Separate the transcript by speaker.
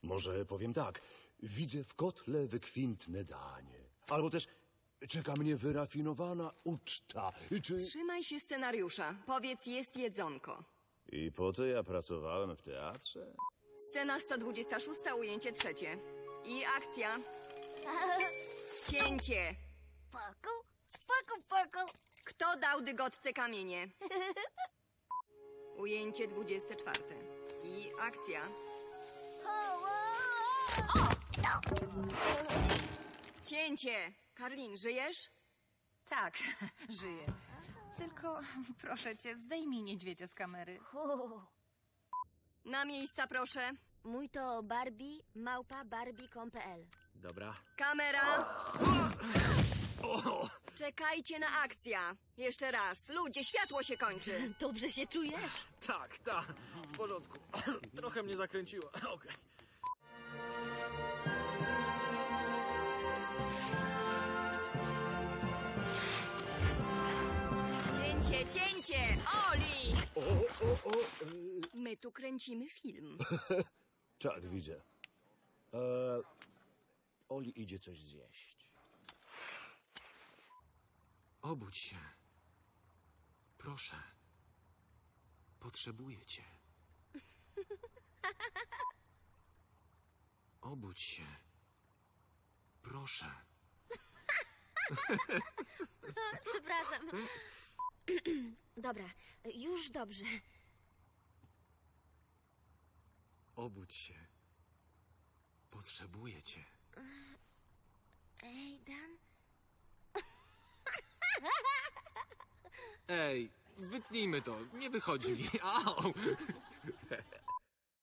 Speaker 1: Może powiem tak. Widzę w kotle wykwintne danie. Albo też czeka mnie wyrafinowana uczta. Czy...
Speaker 2: Trzymaj się scenariusza. Powiedz, jest jedzonko.
Speaker 1: I po to ja pracowałem w teatrze?
Speaker 2: Scena 126, ujęcie trzecie. I akcja. Cięcie.
Speaker 3: Paku, spaku, paku.
Speaker 2: Kto dał dygotce kamienie? Ujęcie 24. I akcja. Cięcie. Karlin, żyjesz?
Speaker 4: Tak, żyję. Tylko proszę cię, zdejmij niedźwiedzia z kamery.
Speaker 2: Na miejsca, proszę.
Speaker 3: Mój to Barbie, małpa barbie.com.pl.
Speaker 5: Dobra.
Speaker 2: Kamera. Czekajcie na akcja. Jeszcze raz. Ludzie, światło się kończy.
Speaker 3: Dobrze się czujesz?
Speaker 5: Tak, w porządku. Trochę mnie zakręciło. Okej.
Speaker 2: Cięcie, cięcie! Oli! My tu kręcimy film.
Speaker 1: Tak, widzę. Oli idzie coś zjeść.
Speaker 6: Obudź się. Proszę. Potrzebuję cię. Obudź się. Proszę.
Speaker 3: Przepraszam. Dobra, już dobrze.
Speaker 6: Obudź się. Potrzebuję cię.
Speaker 3: Ej, Dan?
Speaker 6: Ej, wytnijmy to. Nie wychodzi mi. Au!